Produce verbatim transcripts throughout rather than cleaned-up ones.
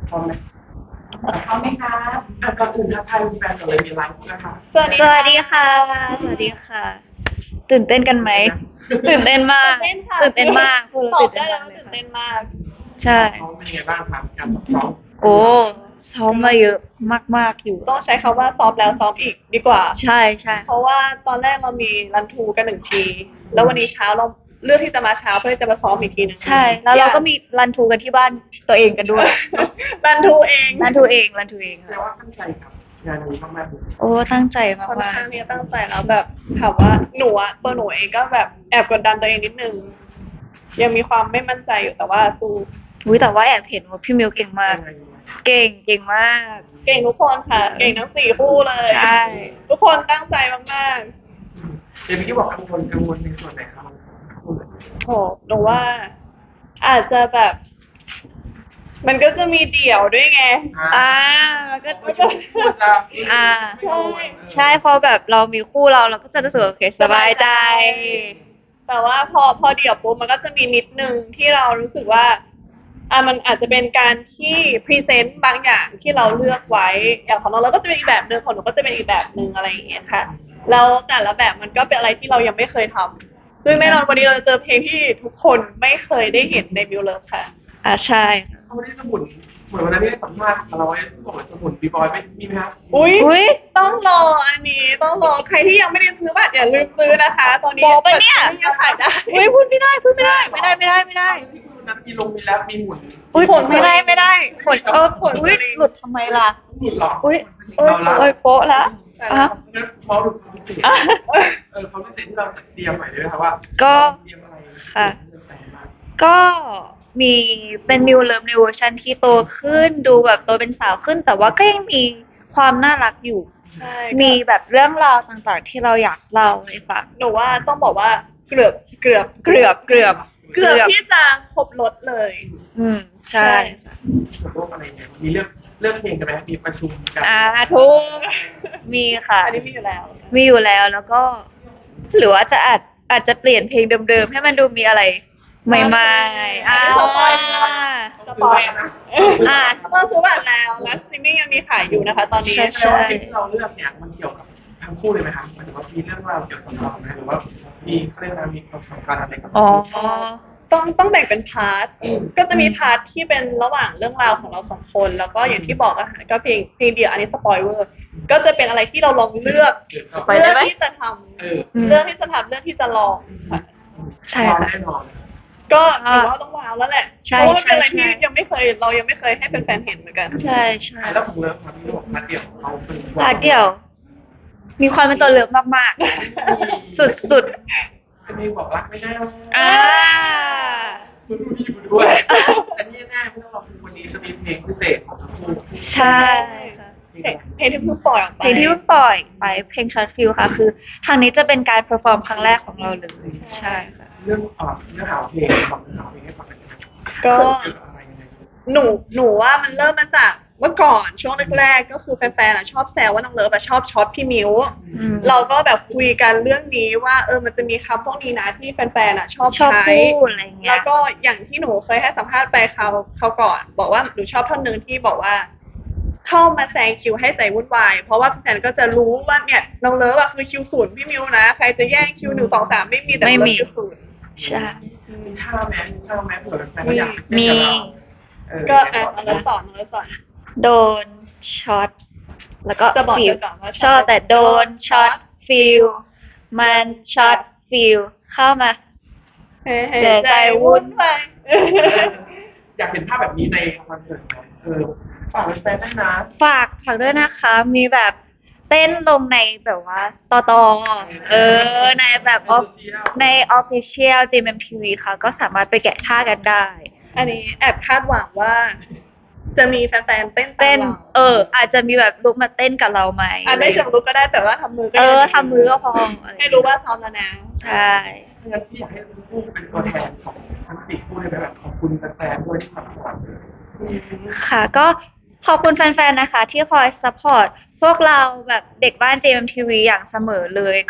พร้อมไหมพร้อมไหมคะอ่ะก่อนอื่นทักทายแฟนๆก่อนเลยมีไลฟ์นะคะสวัสดีค่ะ สวัสดีค่ะ ตื่นเต้นกันไหม ตื่นเต้นมากตื่นเต้นค่ะตื่นเต้นมากพวกเราตอบตื่นได้เต้นแล้วมากเลยค่ะว่าตื่นเต้นมากใช่ซ้อมเป็นยังไงบ้างครับการซ้อมโอ้ซ้อมมาเยอะมากๆอยู่ต้องใช้คำว่าซ้อมแล้วซ้อมอีกดีกว่าใช่ใช่เพราะว่าตอนแรกเรามีรันทรูกันหนึ่งที แล้ววันนี้เช้าเราเลือกที่จะมาเช้าเพื่อที่จะมาซ้อมอีกทีหนึงใช่ แล้วเราก็มีรันทูกันที่บ้านตัวเองกันด้วยรันทรูเองรันทูเองรันทูเองแปลค่ะว่าตั้งใจครับงานนี้มากๆเลยโอ้ตั้งใจมาค่อนกข้างที่จะตั้งใจแล้วแบบถามว่าหนูอะตัวหนูเองก็แบบแอบกดดันตัวเองนิดนึง ยังมีความไม่มั่นใจอยู่แต่ว่าสู้ๆอุ้ยแต่ว่าแอบเห็นว่าพี่มิวเก่งมากยังไงเก่งเก่งมากเก่งทุกคนค่ะ เก่งทั้งสี่คู่เลยใช่ทุกคนตั้งใจมากเดี๋ยวพี่บอกกังวลกังวลในส่วนไหนครับพูดเลยๆโหหนูว่าอาจจะแบบ มันก็จะมีเดี่ยวด้วยไงอ่ามันก็ก็จะพูดจะอ่าใช่ใช่พอแบบเรามีคู่เราเราก็จะรู้สึกโอเคสบายใจแต่ว่าพอพอเดี่ยวปุ๊บมันก็จะมีนิดนึงที่เรารู้สึกว่าอ่ะมันอาจจะเป็นการที่พรีเซนต์บางอย่างที่เราเลือกไว้อย่างของเราเราก็จะเป็นอีกแบบหนึ่งของหนูก็จะเป็นอีกแบบหนึ่งอะไรอย่างเงี้ยค่ะแล้วแต่ละแบบมันก็เป็นอะไรที่เรายังไม่เคยทำซึ่งแน่นอนวันนี้เราจะเจอเพลงที่ทุกคนไม่เคยได้เห็นในมิวเลิฟค่ะอ่าใช่ค่ะเขาไม่ได้สมุนเหมือนวันนั้นที่ได้สัมภาษณ์เราไว้บอกว่าสมุนบีบอยไม่มีไหมครับอุ้ยอุ้ยต้องรออันนี้ต้องรอใครที่ยังไม่ได้ซื้อบัตรอย่าลืมซื้อนะคะ ตอนนี้โป๊ปะเนี่ยบัตรยังขายได้อุ้ยพูดไม่ได้พูดไม่ได้ไม่ได้ไม่ได้ไม่ได้ที่คุณนั้นมีลงมีแรปมีหมุนอุ้ยผลไม่ได้ไม่ได้ผลเออผลอุ้ยหลุดทำไมล่ะหมุนหรออุ้ยเอ้เอ้ยยโป๊ะละแต่อ่ะละงั้นพอดูความพิเศษเออความพิเศษที่เราจะเตรียมใหม่เลยนะครับว่าก็เตรียมอะไรค่ะ ก็มีเป็นมิวเลิฟในเวอร์ชันที่โตขึ้นดูแบบโตเป็นสาวขึ้น แต่ว่าก็ยังมีความน่ารักอยู่ใช่มีแบบเรื่องราวต่างๆ ที่เราอยากเล่าให้ฟังหนูว่าต้องบอกว่าเกือบเกือบเกือบเกือบเกือบที่จะครบรถเลยอืมใช่โลกอะไรเนี่ยมีเรื่องเรื่องเพลงกันไหมมีประชุมกันอ่าทุกมีค่ะอันนี้มีอยู่แล้วมีอยู่แล้วแล้วก็ หรือว่าจะอาจอาจจะเปลี่ยนเพลงเดิมๆ ให้มันดูมีอะไรใหม่ๆอ่าสปอยล์ สปอยล์อ่าต้องซื้อบัตรแล้วและสตรีมมิ่งยังมีขายอยู่นะคะ ตอนนี้ใช่แสดงว่าเพลงที่เราเลือกเนี่ยมันเกี่ยวกับทั้งคู่เลยไหมครับหมายถึงว่ามีเรื่องราวเกี่ยวกับเราไหมหรือว่ามีเขาเรียกว่ามีความสำคัญอะไรกับอ๋อต้องต้องแบ่งเป็นพาร์ท ก็จะมีพาร์ทที่เป็นระหว่างเรื่องราวของเราสองคน แล้วก็อย่างที่บอกอะค่ะก็เพลงเพลงเดียวอันนี้สปอยเวอร์ ก็จะเป็นอะไรที่เราลองเลือกไปได้เลือกไหมที่จะทเออำเลือกที่จะทำเลือกที่จะลองค่ะใช่ค่ะแน่นอนก็ถือว่าต้องว้าวแล้วแหละใช่เพราะว่าเป็นอะไรใช่ที่ใช่ยังไม่เคยเรายังไม่เคยให้แฟนๆเห็นเหมือนกันใช่ใช่แล้วของเลิฟครับที่บอกมาเดี่ยวเขาเป็นพาร์ทเดียว มีความเป็นตัวเลือกมากๆ สุดจะมีบอกรักไม่ได้ๆ อ่าคุณดูพี่คุณด้วยอันนี้แน่ไม่ต้องรอคุณวันนี้จะมีเพลงพิเศษของทั้งคู่ใช่ค่ะเพลงเพลงที่เพิ่งปล่อยออกไปเพลงที่เพิ่งปล่อยไปเพลงช็อตฟิลค่ะ คือทางนี้จะเป็นการเพอร์ฟอร์มครั้งแรกของเราเลย ใช่ค่ะเรื่องอ่าเนื้อหาเพลงบอกเนื้อหาเพลงให้ฟังหน่อยนะครับก็เกี่ยวกับอะไรยังไงหนูหนูว่ามันเริ่มมาจากเมื่อก่อนช่วงแรกๆก็คือแฟนๆอะชอบแซวว่าน้องเลิฟอะชอบช็อตพี่มิวอืมเราก็แบบคุยกันเรื่องนี้ว่าเออมันจะมีคำพวกนี้นะที่แฟนๆอะชอบชอบใช้พูดอะไรอย่างเงี้แล้ยวก็อย่างที่หนูเคยให้สัมภาษณ์ไปเขาเขาก่อน บอกว่าหนูชอบท่อนหนึ่งที่บอกว่า เข้ามาแซงคิวให้ใจวุ่นวายเพราะว่าแฟนๆก็จะรู้ว่าเนี่ยน้องเลิฟอะคือคิวศูนย์พี่มิวนะใครจะแย่งคิวหนึ่งสองสามไม่มีแต่น้องเลิฟคิวศูนย์ใช่มีท่าแม้มีท่าแม้เผื่อแฟนๆเขาอยากมีเต้นกับเราเออก็อ่ะน้องเลิฟสอนน้องเลิฟสอนโดนช็อตแล้วก็จะบอกฟิลเธอก่อนว่าช็ช็ออตตแต่โดนช็อตฟิลมันช็อตฟิลเข้ามาเฮ้เสียใจวุ่นไปอยากเห็นภาพแบบนี้ในคอนเสิร์ตไหมเออฝากแฟนๆได้นะฝากฝากด้วยนะคะ มีแบบเต้นลงในแบบว่าต่อต่อเออ ในแบบออฟใน Official จี เอ็ม เอ็ม ที วี ค่ะ ก็สามารถไปแกะท่ากันได้อันนี้แอบคาดหวังว่า จะมีแฟนๆเต้นตามเต้นราเออ อาจจะมีแบบลุกมาเต้นกับเราไหมอ่ะไม่เชิงลุกก็ได้แต่ว่าทำมือก็เอยังอดีทำมือก็พออะไรให้รู้ว่าซ้อมแล้วนะใช่งั้นพี่อยากให้ทั้งคู่เป็นตัวแทนของทั้งสี่คู่เลยแบบขอบคุณแฟนๆด้วยที่ซัพพอร์ตเลยค่ะก็ขอบคุณแฟนๆนะคะ ที่คอยซัพพอร์ตพวกเราแบบเด็กบ้าน จี เอ็ม ที วี อย่างเสมอเลย ก็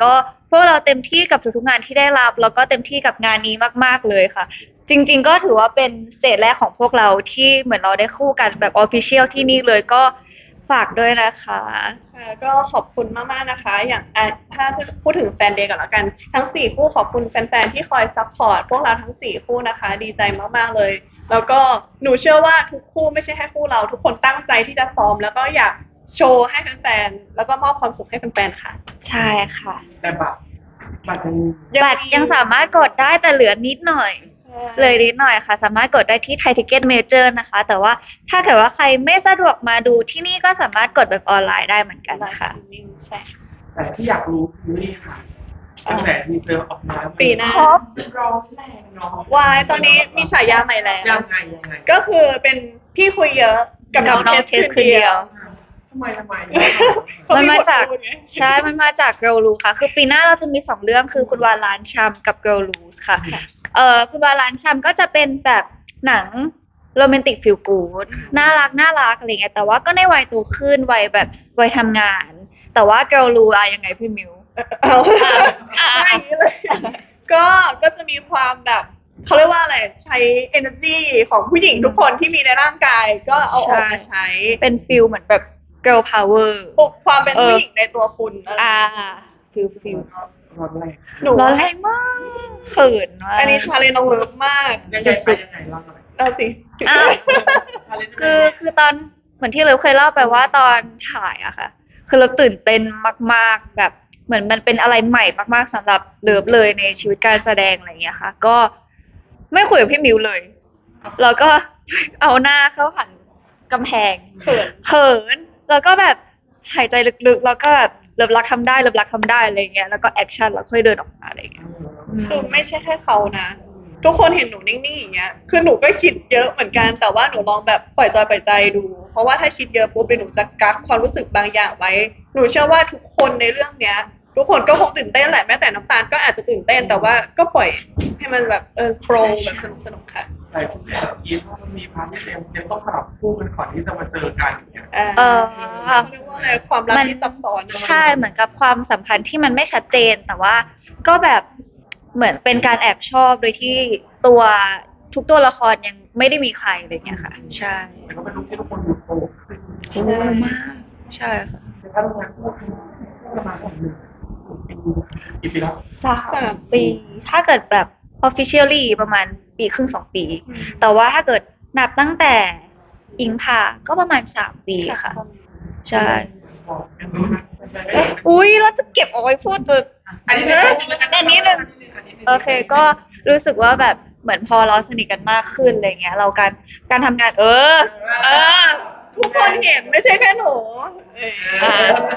พวกเราเต็มที่กับทุกๆงานที่ได้รับแล้วก็เต็มที่กับงานนี้มากๆเลยค่ะ จริงๆก็ถือว่าเป็นสเตจแรกของพวกเราที่เหมือนเราได้คู่กันแบบออฟฟิเชียลที่นี่เลยก็ฝากด้วยนะคะค่ะก็ขอบคุณมากๆนะคะ อย่างอ่ะถ้าพูดถึงแฟนเดย์ก่อนละกัน ทั้งสี่คู่ขอบคุณแฟนๆที่คอยซัพพอร์ตพวกเราทั้งสี่คู่นะคะ ดีใจมากๆเลย แล้วก็หนูเชื่อว่าทุกคู่ไม่ใช่แค่คู่เรา ทุกคนตั้งใจที่จะซ้อม แล้วก็อยากโชว์ให้แฟนๆแล้วก็มอบความสุขให้แฟนๆค่ะใช่ค่ะแต่บัตรบัตรยังบัตรยังสามารถกดได้แต่เหลือนิดหน่อย เลยนิดหน่อยค่ะ สามารถกดได้ที่ไทยทิเก็ตเมเจอร์นะคะ แต่ว่าถ้าเกิดว่าใครไม่สะดวกมาดูที่นี่ก็สามารถกดแบบออนไลน์ได้เหมือนกันไลฟ์สค่ะตรีมมิ่งใช่ค่ะแต่ที่อยากรู้คือนี่ค่ะตั้งแต่ทีเซอร์ออกมาปีหน้าครบร้องแรงเนาะวายตอนนี้มีฉายาใหม่แล้วยังไงยังไงก็คือเป็นพี่คุยเยอะกับกับน้น้ออง งเทเทสสคืคืนนเดีเดียยว วทำไมทำไมเขามันมีมาบทจากพูดไงใช่ มันมาจาก Girl Loose ค่ะ คือปีหน้าเราจะมีสองเรื่องคือคุณวาลานชัมกับ Girl Loose ค่ะ เอ่อคุณวาลานชัมก็จะเป็นแบบหนังโรแมนติกฟิลกูดน่ารักน่ารักอะไรเงี้ยแต่ว่าก็ในวัยโตขึ้นวัยแบบวัยทำงาน แต่ว่า Girl Loose อะยังไงพี่มิวเอาอ่ะไม่อย่างนี้เลย ก็ก็จะมีความแบบเขาเรียกว่าอะไรใช้ energy ของผู้หญิงทุกคนที่มีในร่างกาย ก็เอาออกมาใช้เป็นฟิลเหมือนแบบ Girl Power ปลุกความเป็นเออผู้หญิงในตัวคุณอะไรอ่าฟิลฟิลร้อนแรงหนูร้อนแรงมากเขินมากอันนี้ชาเลนน้องเลิฟมากยังไงไปยังไงเล่าหน่อยเราสิอ้าว คือคือตอนเหมือนที่เราเคยเล่าไปว่าตอนถ่ายอะค่ะ คือเราตื่นเต้นมากๆแบบเหมือนมันเป็นอะไรใหม่มากๆสำหรับเลิฟเลยในชีวิตการแสดงอะไรอย่างเงี้ยค่ะ ก็ไม่คุยกับพี่มิวเลย แล้วก็ เอาหน้าเข้าหันกำแพงเขินเขินแล้วก็แบบหายใจลึกๆ แล้วก็แบบเลิฟรักทำได้เลิฟรักทำได้อะไรอย่างเงี้ยแล้วก็แอคชั่นแล้วค่อยเดินออกมาอะไรอย่างเงี้ยคือไม่ใช่แค่เขานะ ทุกคนเห็นหนูนิ่งๆอย่างเงี้ย คือหนูก็คิดเยอะเหมือนกัน แต่ว่าหนูลองแบบปล่อยจอยปล่อยใจดู เพราะว่าถ้าคิดเยอะปุ๊บเดี๋ยวหนูจะกักความรู้สึกบางอย่างไว้ หนูเชื่อว่าทุกคนในเรื่องเนี้ย ทุกคนก็คงตื่นเต้นแหละแม้แต่น้ำตาลก็อาจจะตื่นเต้น แต่ว่าก็ปล่อยให้มันแบบเออโปรแบบสนุกสนุกๆค่ะแต่คุณแม่คิดว่ามันมีพาร์ทที่เต็มเต็มต้องสลับคู่กันก่อนที่จะมาเจอกันอย่างเงี้ยอ่าเออเขาเรียกว่าอะไรความรักที่ซับซ้อนนะใช่เหมือนกับความสัมพันธ์ที่มันไม่ชัดเจน แต่ว่าก็แบบเหมือนเป็นการแอบชอบโดยที่ตัวทุกตัวละครยังไม่ได้มีใครอะไรเงี้ยค่ะ ใช่แต่ก็เป็นลูกที่ทุกคนดูโตขึ้นโอ้มากใช่ค่ะในการทำงานคู่กันประมาณหนึ่งปีกี่ปีแล้วสามปี ถ้าเกิดแบบ officially ประมาณปีครึ่งสองปี แต่ว่าถ้าเกิดนับตั้งแต่อิงพาก็ประมาณสามปีค่ะ ใช่บอกกันรู้นะอุ้ยเราจะเก็บเอาไว้พูดตึกอันนี้อันนี้หนึ่ง โอเคก็รู้สึกว่าแบบเหมือนพอเราสนิทกันมากขึ้นอะไรเงี้ย เราการการทำงานเออ เออทุกคนเห็นไม่ใช่แค่หนูเอออ่า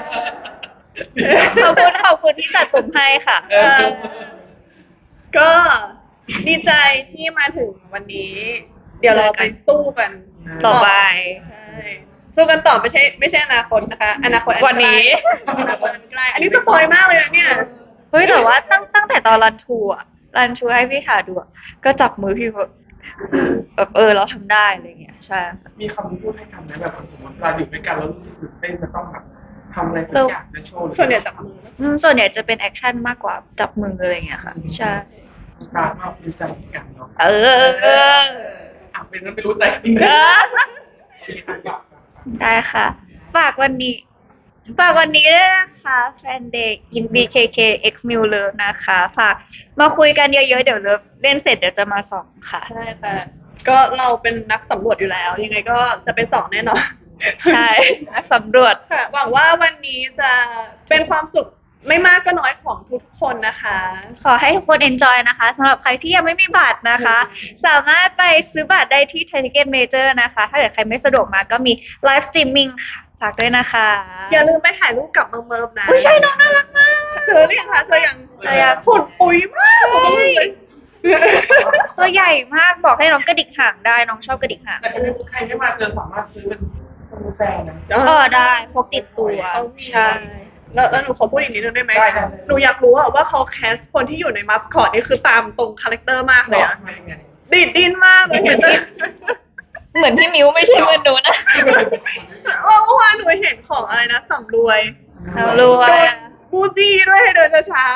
ขอบคุณขอบคุณที่จัดกลุ่มให้ค่ะเออก็ดีใจที่มาถึงวันนี้ เดี๋ยวเราไปสู้กันต่อไปใช่สู้กันต่อไม่ใช่ไม่ใช่อนาคตนะคะ อนาคตอัวันนี้ใกล้อนาคตอันใกล้อันนี้สปอยมากเลยนะเนี่ยเฮ้ยแต่ว่าตั้งตั้งแต่ตอนรันทูอะรันทูให้พี่ขาดูอะก็จับมือพี่แบบแบบเออเราทำได้อะไรเงี้ยใช่ค่ะมีคำพูดให้กันไหมแบบสมมติเราอยู่ด้วยกันแล้วรู้สึกตื่นเต้นจะต้องแบบทำอะไรสักอย่างจะโชว์ส่วนใหญ่จับมืออืมส่วนใหญ่จะเป็นแอคชั่นมากกว่าจับมืออะไรเงี้ยค่ะ ใช่การว่าเป็นใจกันเนาะเออเอออ่ะเป็นนั้นไม่รู้ใจจริงเอนะอได้ค่ะ ฝากวันนี้ ฝากวันนี้ด้วยนะคะแฟนเด็ก in บี เค เค X m i l Love นะคะ ฝากมาคุยกันเยอะๆ เดี๋ยวเลิฟเล่นเสร็จเดี๋ยวจะมาส่องค่ะใช่ค่ะ ก็เราเป็นนักสำรวจอยู่แล้ว ยังไงก็จะเป็นสองแน่นอนใช่ นักสำรวจค่ะ หวังว่าวันนี้จะเป็นความสุขไม่มากก็น้อยของทุกคนนะคะขอให้ทุกคน enjoy นะคะสำหรับใครที่ยังไม่มีบัตรนะคะ สามารถไปซื้อบัตรได้ที่ Thai Ticket Major นะคะ ถ้าเกิดใครไม่สะดวกมาก็มี live streaming ค่ะ ฝากด้วยนะคะอย่าลืมไปถ่ายรูปกับเมิร์มเมิร์มนะอุ้ยใช่น้องน่ารักมากเจอหรือยังคะเจอยังเจอยังขนปุยมากบอกเลยตัวใหญ่มากบอกให้น้องกระดิกหางได้น้องชอบกระดิกหางแต่ใครไม่มาเจอสามารถซื้อเป็นเป็นแฟนนะเออได้พกติดตัวเขามีใช่แล้วแล้วหนูขอพูดอีกนิดนึงได้ไหมได้ได้หนูอยากรู้อะว่าเขาแคสคนที่อยู่ในมัสคอตนี่คือตามตรงคาแรคเตอร์มากเลยอะมายังไงดีดดินมากเลยเห็นแต่เหมือนพี่มิวไม่ใช่เหมือนหนูนะเมื่อวานหนูเห็นของอะไรนะสำรวยสำรวยโดนบูจี้ด้วยให้เดินช้าเ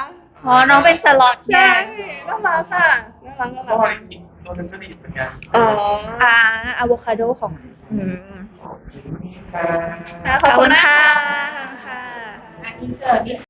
อ๋อน้องเป็นสล็อตใช่ไงน่ารักอ่ะน่ารักน่าเพราะรัว่าก อีกตัวหนึงก็ดีเหมือนกันอ๋ออ่าอะโวคาโดของอืมค่ะค่ะขอบคุณค่ะมากขอบคุณค่ะอ่ะอินเสิร์ตนิด